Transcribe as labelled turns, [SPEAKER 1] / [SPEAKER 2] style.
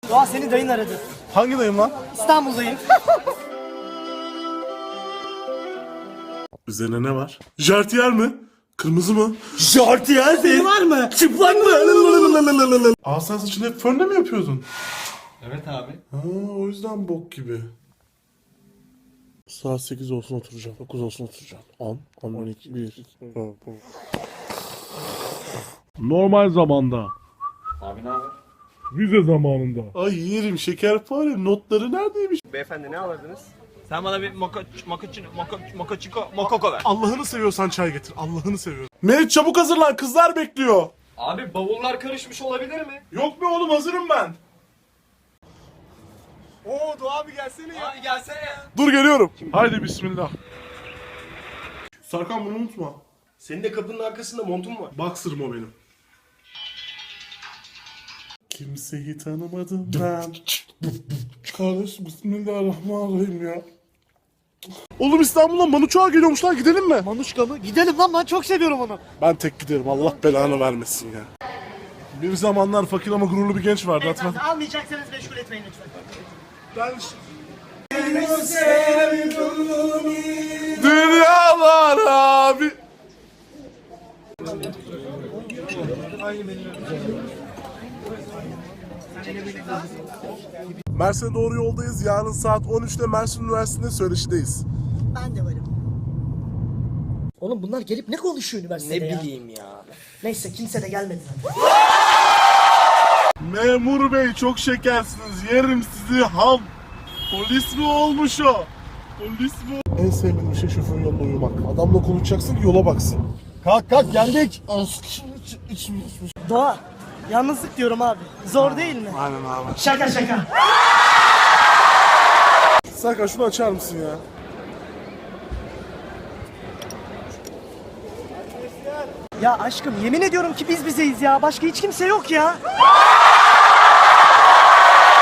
[SPEAKER 1] Doğa seni dayın aradı.
[SPEAKER 2] Hangi dayım lan?
[SPEAKER 1] İstanbul'dayım.
[SPEAKER 2] Üzerine ne var? Jartiyer mi? Kırmızı mı?
[SPEAKER 1] Jartiyer senin var mı? Çıplak mı?
[SPEAKER 2] Aa sen saçını hep fönle mi yapıyordun?
[SPEAKER 3] Evet abi.
[SPEAKER 2] Ha, o yüzden bok gibi. Saat 8 olsun oturacağım. 9 olsun oturacağım. 10, 12, 1. Normal zamanda.
[SPEAKER 3] Abi ne haber?
[SPEAKER 2] Vize zamanında. Ay yerim şekerpare. Notları neredeymiş?
[SPEAKER 4] Beyefendi ne alırdınız? Sen bana bir mokoko ver.
[SPEAKER 2] Allah'ını seviyorsan çay getir. Allah'ını seviyorum. Meriç çabuk hazırlan. Kızlar bekliyor.
[SPEAKER 4] Abi bavullar karışmış olabilir mi?
[SPEAKER 2] Yok be oğlum hazırım ben.
[SPEAKER 4] Oo Doğa abi gelsene ya. Abi gelsene ya.
[SPEAKER 2] Dur geliyorum. Haydi bismillah. Sarkan bunu unutma.
[SPEAKER 4] Senin de kapının arkasında montun var.
[SPEAKER 2] Boxer'ım o benim. Kimseyi tanımadım ben. Kardeş bismillahirrahmanirrahim ya. Oğlum İstanbul'dan Manuçoğa geliyormuşlar, gidelim mi?
[SPEAKER 1] Manuşka mı? Gidelim lan, ben çok seviyorum onu.
[SPEAKER 2] Ben tek giderim, Allah belanı vermesin ya. Bir zamanlar fakir ama gururlu bir genç vardı, hatırlat.
[SPEAKER 1] Almayacaksanız meşgul etmeyin lütfen.
[SPEAKER 2] Ben... Dünyalar abi. Mersin'e doğru yoldayız. Yarın saat 13'te Mersin Üniversitesi'nde söyleşideyiz.
[SPEAKER 1] Ben de varım. Oğlum bunlar gelip ne konuşuyor üniversitede ya?
[SPEAKER 4] Ne bileyim ya.
[SPEAKER 1] Neyse kimse de gelmedi.
[SPEAKER 2] Memur bey çok şekersiniz. Yerim sizi ham. Polis mi olmuş o? Polis mi? En sevmediğim şey şoförün yanında uyumak. Adamla konuşacaksın ki yola baksın.
[SPEAKER 1] Kalk kalk geldik. Doğa, yalnızlık diyorum abi. Zor değil mi?
[SPEAKER 2] Aynen abi.
[SPEAKER 1] Şaka şaka.
[SPEAKER 2] Serkan şunu açar mısın ya?
[SPEAKER 1] Ya aşkım yemin ediyorum ki biz bizeyiz ya. Başka hiç kimse yok ya.